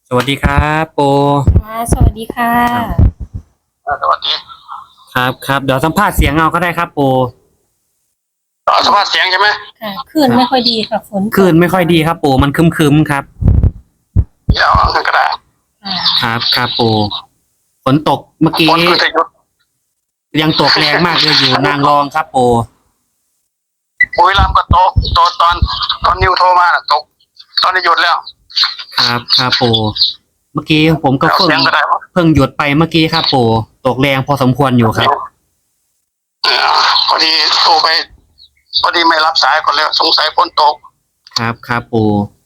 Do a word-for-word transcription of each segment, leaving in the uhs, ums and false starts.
สวัสดีครับโปค่ะสวัสดีค่ะครับอ่าสวัสดีครับครับเดี๋ยวสัมภาษณ์เสียงเอาก็ได้ครับโปต่อสภาพเสียงใช่ไหมค่ะคลื่นครับไม่ค่อยดีค่ะฝนตกคลื่นไม่ค่อยดีครับโปมันครึมครึมครับเดี๋ยวเอาก็ได้ค่ะครับครับโปฝนตกเมื่อฝกี้นคือจะหยุดยังตกแรงมากเลยอยู่นางรองครับโปบุรีรัมย์ก็ตกตกตอนตอนนิวโทรมาน่ะตกตอนนี้หยุดแล้วครับครับโปเมื่อกี้ผมก็เอาเพิ่งเสียงก็ได้ปะเพิ่งหยุดไปเมื่อกี้ครับโปตกแรงพอสมควรอยู่ครับเออพอดีโทรไปพอดีไม่รับสายก่อนแล้วสงสัยฝนตกครับครับโป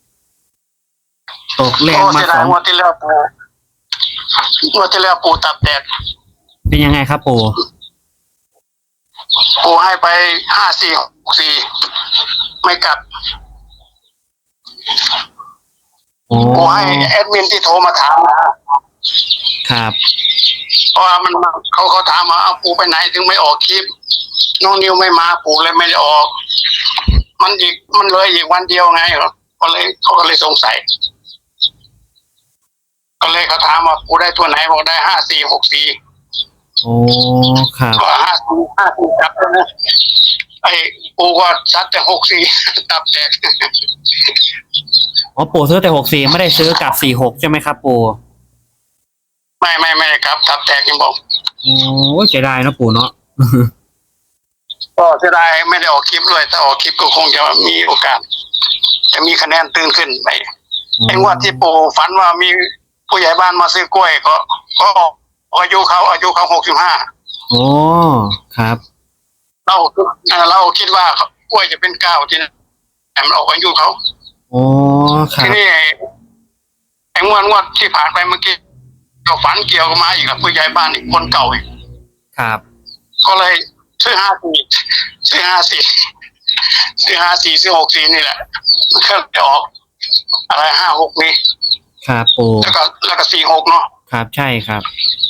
ตกแรโอ้งมาเสียดาสองยงวดที่แล้วปูงวดที่แล้วปูตับแตกเป็นยังไงครับโปปูให้ไปห้าสี่หกสี่ไม่กลับโอ้ปูให้แอดมินที่โทรมาถามนะครับเพราะว่ามันเขาเขาถามว่าเอาปูไปไหนถึงไม่ออกคลิปน้องนิวไม่มาปูเลยไม่ได้ออก มันอีกมันเลยอีกวันเดียวไงเหรอก็เลยเขาก็เลยสงสัยก็เลยเขาถามว่าปูได้ตัวไหนบอกได้ห้าสี่หกสี่โอ้ครับก็ห้าสี่ห้าสี่จับแล้วนะไอ้ปูก็ชัดแต่หกสี่ตับแตกอ๋อโปซื้อแต่หกสี่ไม่ได้ซื้อกับสี่หกใช่ไหมครับโปไม่ไม่ไม่ครับตับแตกยังบอกโอ้เสียดายเนอะปู่เนาะก็เสียดายไม่ได้ออกคลิปด้วยถ้าออกคลิปก็คงจะมีโอกาสจะมีคะแนนตื่นขึ้นไปไอ้งวดที่ปู่ฝันว่ามีผู้ใหญ่บ้านมาซื้อกล้วยก็ก็อายุเขาอายุเขาหกสิบห้าโอ้ครับเราเราคิดว่ากล้วยจะเป็นเก้าที่นั่นแต่มันออกอายุเขาโอ้ครัทีบนี้ไอ้งวดงวดที่ผ่านไปเมื่อกี้ก็ฝันเกี่ยวกับมาอีกแล้วผู้ใหญ่บ้านอีกคนเก่าอีกครับก็เลยซื้อห้าสี่ซื้อห้าสี่ซื้อห้าสี่ซื้อหกสี่นี่แหละมันก็จะออกอะไรห้าหกนี่ครับปู่แล้วก็แล้วก็สี่หกเนาะครับใช่ครับ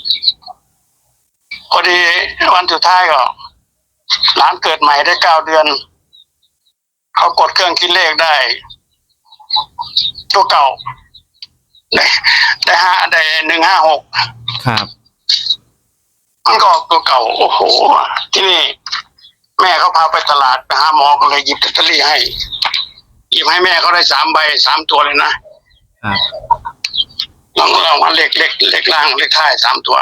พอดีวันสุดท้ายก็หลานเกิดใหม่ได้เก้าเดือนเขากดเครื่องคิดเลขได้ตัวเก่าได้ได้ห้าได้หนึ่งห้าหกครับมันก็ออกตัวเก่าโอ้โหที่นี่แม่เขาพาไปตลาดไปหาหมอก็เลยหยิบลอตเตอรี่ให้หยิบให้แม่เขาได้สามใบสามตัวเลยนะครับลองลองมาเลขเลขเลขล่างเลขท้ายสามตัว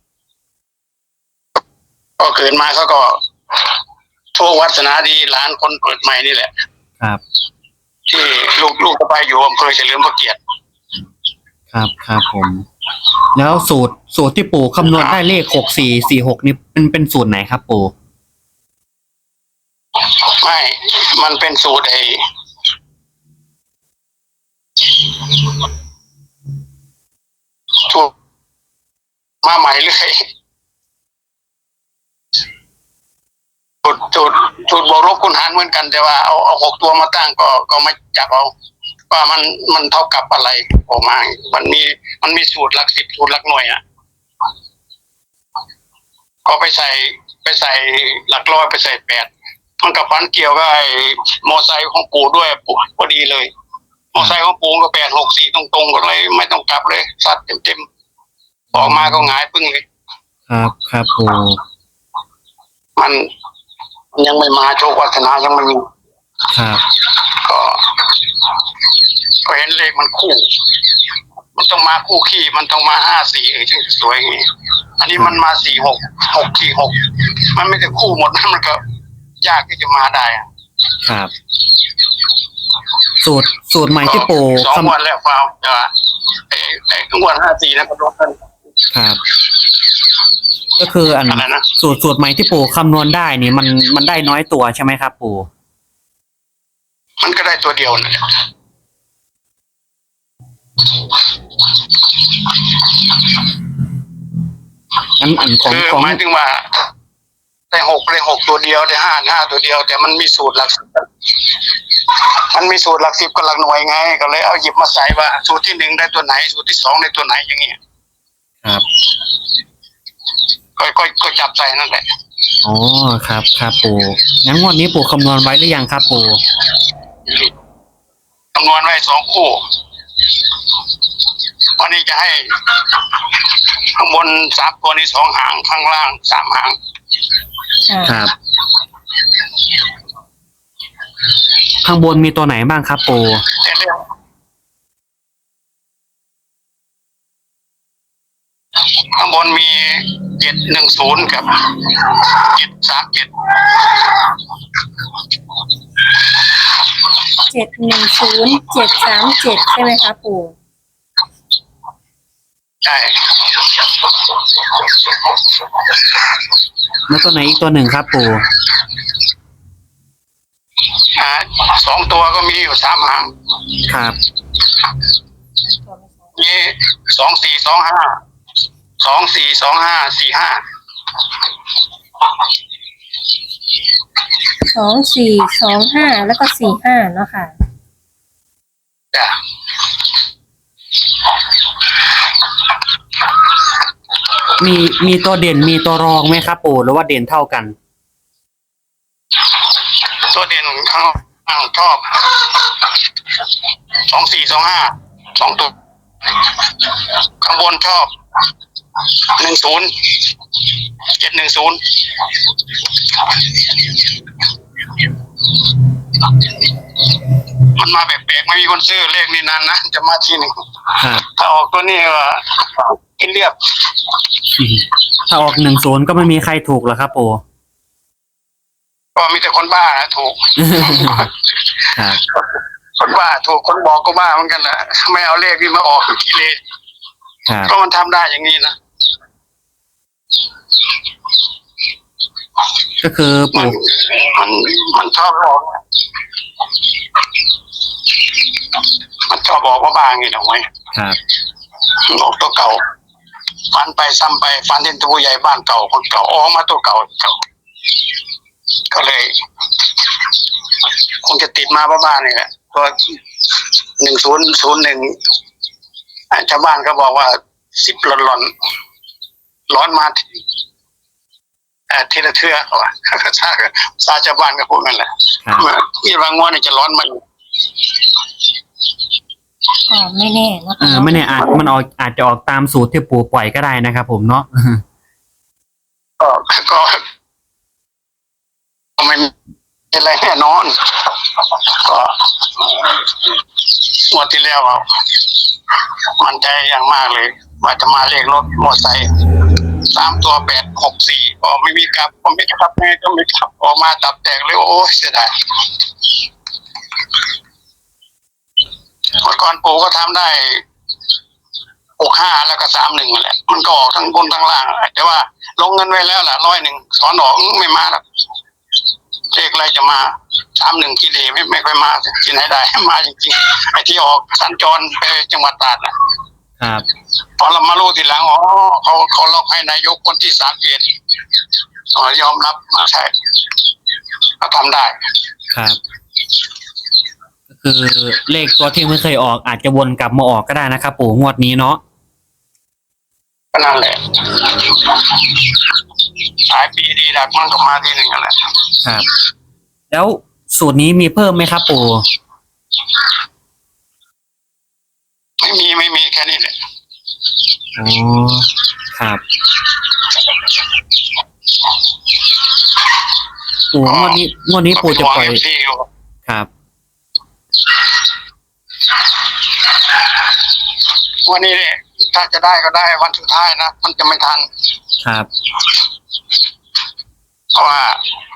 ก็เกิดมาเขาก็โชควัฒนาดีหลานคนเกิดใหม่นี่แหละครับที่ลูกลูกไปอยู่อำเภอเฉลิมพระเกียรติครับครับผมแล้วสูตรสูตรที่ปู่คำนวณได้เลขหกสี่สี่หกนี่เป็นเป็นสูตรไหนครับปู่ไม่มันเป็นสูตรไอ้ถูกมาใหม่เลยสูตรสูตรสูตรบวกลบคูณหารเหมือนกันแต่ว่าเอาเอาหกตัวมาตั้งก็ก็ไม่จับเอาว่ามันมันเท่ากับอะไรออกมามันมีมันมีสูตรหลักสิบสูตรหลักหน่วยอ่ะก็ไปใส่ไปใส่หลักร้อยไปใส่แปดมันกับฟันเกี่ยวกับไอ้มอไซค์ของปู่ด้วยปู่พอดีเลยมอไซค์ของปู่ก็แปดหกสี่ตรงๆก็เลยไม่ต้องกลับเลยซัดเต็มๆออกมาก็หงายปึ้งเลยครับครับปู่มันยังไม่มาโชควัฒนายังไม่มีครับก็ก็เห็นเลขมันคู่มันต้องมาคู่ขี้มันต้องมาห้าสี่เออจึงสวยอย่างนี้อันนี้มันมาสี่หกหกสี่หกมันไม่ได้คู่หมดนะมันก็ยากที่จะมาได้ครับสูตรสูตรใหม่ที่ปู่สองวันแล้วฟาวจะไอ้ไอ้ทั้งวันห้าสี่นะก็โดนกันครับก็คืออันสูตรสูตรใหม่ที่ปู่คำนวณได้นี่มันมันได้น้อยตัวใช่ไหมครับปู่มันก็ได้ตัวเดียวนั่นแหละอันอันของคือของหมายถึงว่าได้หกได้หกตัวเดียวได้ห้าห้าตัวเดียวแต่มันมีสูตรหลักสิบมันมีสูตรหลักสิบกับหลักหน่วยไงก็เลยเอาหยิบมาใส่ว่าสูตรที่หนึ่งได้ตัวไหนสูตรที่สองได้ตัวไหนอย่างเงี้ยครับก็ก็ก็จับใส่นั่นแหละอ๋อครับครับปู่งั้นงวดนี้ปู่คำนวณไว้หรือยังครับปู่คำนวณไว้สองคู่วันนี้จะให้ข้างบนสามตัวนี้สองหางข้างล่างสามหางค่ะครับ ข้างบนมีตัวไหนบ้างครับปู่แต่เรื่องข้างบนมีเจ็ดหนึ่งศูนย์กับเจ็ดสามเจ็ดเจ็ดหนึ่งศูนย์เจ็ดสามเจ็ดใช่ไหมคะปู่ใช่แล้วตัวไหนอีกตัวหนึ่งครับปู่อ่าสองตัวก็มีอยู่สามหางครับมีสองสี่สองห้าสองสี่สองห้าสี่ห้าสองสี่สองห้าแล้วก็สี่ห้าเนาะค่ะจ้ะมีมีตัวเด่นมีตัวรองไหมครับปู่หรือว่าเด่นเท่ากันตัวเด่นข้างล่างชอบสองสี่สองห้าสองตัวข้างบนชอบหนึ่งศูนย์เจ็ดหนึ่งศูนย์มันมาแปลกๆไม่มีคนซื้อเลขนี้นานนะจะมาทีหนึ่งครับถ้าออกตัวนี้ก็กินเรียบถ้าออกหนึ่งศูนย์ก็ไม่มีใครถูกหรอกครับปู่ก็มีแต่คนบ้านะถูกครับคนบ้าถูกคนบอกก็บ้าเหมือนกันนะไม่เอาเลขที่มาออกที่เลขครับก็มันทำได้อย่างนี้นะก็คือมันปู่มันมันชอบบอกมันชอบบอกว่าบ้าอย่างนี้ถูกไหมครับบอกตัวเก่าฟันไปซ้ำไปฟันเห็นตัวใหญ่บ้านเก่าคนเก่าออกมาตัวเก่าเก่าก็เลย คงจะติดมาบ้านๆนี่แหละตัวหนึ่งศูนย์ศูนย์หนึ่งชาวบ้านก็บอกว่าสิบหล่อนหล่อนร้อนมาเอ่อทีละเทือเขาว่าซาซาชาวบ้านก็พูดกันแหละครับที่บางงวดนี่จะร้อนมาอยู่ก็ไม่แน่เนาะเออไม่แน่อาจมันออกอาจจะออกตามสูตรที่ปู่ปล่อยก็ได้นะครับผมเนาะก็ก็ก็ไม่มีอะไรแน่นอนก็งวดที่แล้วอะมั่นใจอย่างมากเลย ว่าจะมาเลขรถมอเตอร์ไซค์สามตัวแปดหกสี่ก็ไม่มีกลับผมไม่กลับไงก็ไม่กลับออกมาตับแตกเลยโอ้ยเสียดายเมื่อก่อนปู่ก็ทำได้หกห้าแล้วก็สามหนึ่งแหละมันก็ออกทั้งบนทั้งล่างแต่ว่าลงเงินไว้แล้วล่ะร้อยหนึ่งสอนออกไม่มาหรอกเลขอะไรจะมาสามหนึ่งกิเลไม่ไม่ค่อยมาที่ไหนได้มาจริงๆไอ้ที่ออกสัญจรไปจังหวัดตราดนะครับ พอเรามารู้ทีหลังอ๋อเขาเขาล็อกให้นายกคนที่สามเอ็ดอ๋อยอมรับมาใช่เขาทำได้ครับ ก็คือเลขตัวที่ไม่เคยออกอาจจะวนกลับมาออกก็ได้นะครับปู่งวดนี้เนาะก็นั่นแหละหลายปีดีดักมันก็มาทีหนึ่งนั่นแหละครับ แล้วสูตรนี้มีเพิ่มไหมครับปู่ไม่มีไม่มีแค่นี้แหละอ๋อครับปู่งวดนี้งวดนี้ปู่จะปล่อยก็เป็นห่วง เอฟซี อยู่ครับวันนี้เนี่ยถ้าจะได้ก็ได้วันสุดท้ายนะมันจะไม่ทันครับเพราะว่า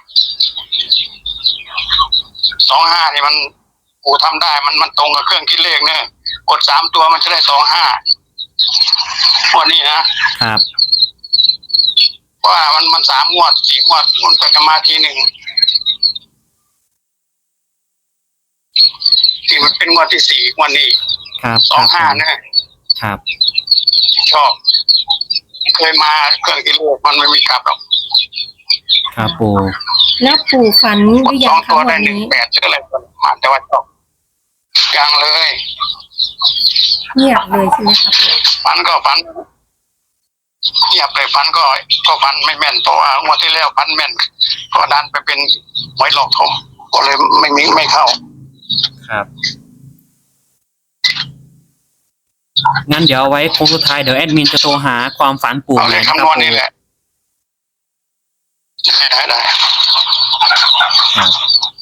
สองห้านี่มันกูทำได้มันมันตรงกับเครื่องคิดเลขเนี่ยกดสามตัวมันจะได้สองห้าวันนี้นะครับ เพราะว่ามันมันสามงวดสี่งวดมันก็จะมาทีหนึ่งที่มันเป็นงวดที่สี่งวดนี้ครับสองห้าครับนะครับ ชอบ เคยมาเครื่องคิดเลขมันไม่มีกลับหรอกครับปู่แล้วปู่ฝันหรือสยัอง งคะตัววัได้นหนึ่งนี้แปดหรืออะไรมาแต่ว่าชอบยังเลยเงียบเลยใช่ไหมคะปู่ฟันก็ฟันเงียบเลยฟันก็ก็ฟันไม่แม่นเพราะว่างวดที่แล้วฟันแม่นก็ดันไปเป็นหวยหลอกผมก็เลยไม่มีไม่เข้าครับงั้นเดี๋ยวเอาไว้โค้งสุดท้ายเดี๋ยวแอดมินจะโทรหาความฝันปู่เอาใหเลม่ขนะคคำนรับวณปู่นี่แหละได้ได้ได้ครับ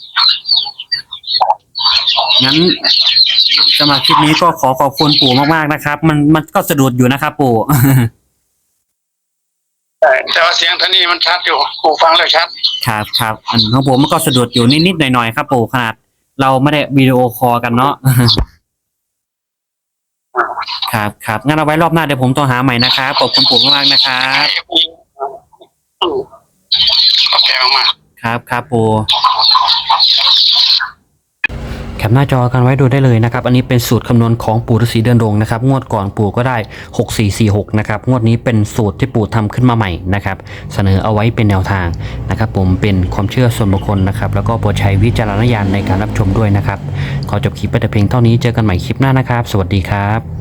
งั้นสำหรับคลิปนี้ก็ขอขอบคุณปู่มากๆนะครับ มันมันก็สะดุดอยู่นะครับปู่แต่แต่ว่าเสียงท่านี้มันชัดอยู่กูฟังแล้วชัดครับครับอันของผมมันก็สะดุดอยู่นิดๆหน่อยๆครับปู่ขนาดเราไม่ได้วิดีโอคอลกันเนาะ ครับครับงั้นเอาไว้รอบหน้าเดี๋ยวผมโทรหาใหม่นะครับขอบคุณปู่มากๆนะครับอืมขอบใจมากๆครับครับปู่แคปหน้าจอกันไว้ดูได้เลยนะครับอันนี้เป็นสูตรคำนวณของปู่ฤาษีเดินดงนะครับงวดก่อนปู่ก็ได้หกสี่สี่หกนะครับงวดนี้เป็นสูตรที่ปู่ทำขึ้นมาใหม่นะครับเสนอเอาไว้เป็นแนวทางนะครับผมเป็นความเชื่อส่วนบุคคลนะครับแล้วก็โปรดใช้วิจารณญาณในการรับชมด้วยนะครับขอจบคลิปไปแต่เพียงเท่านี้เจอกันใหม่คลิปหน้านะครับสวัสดีครับ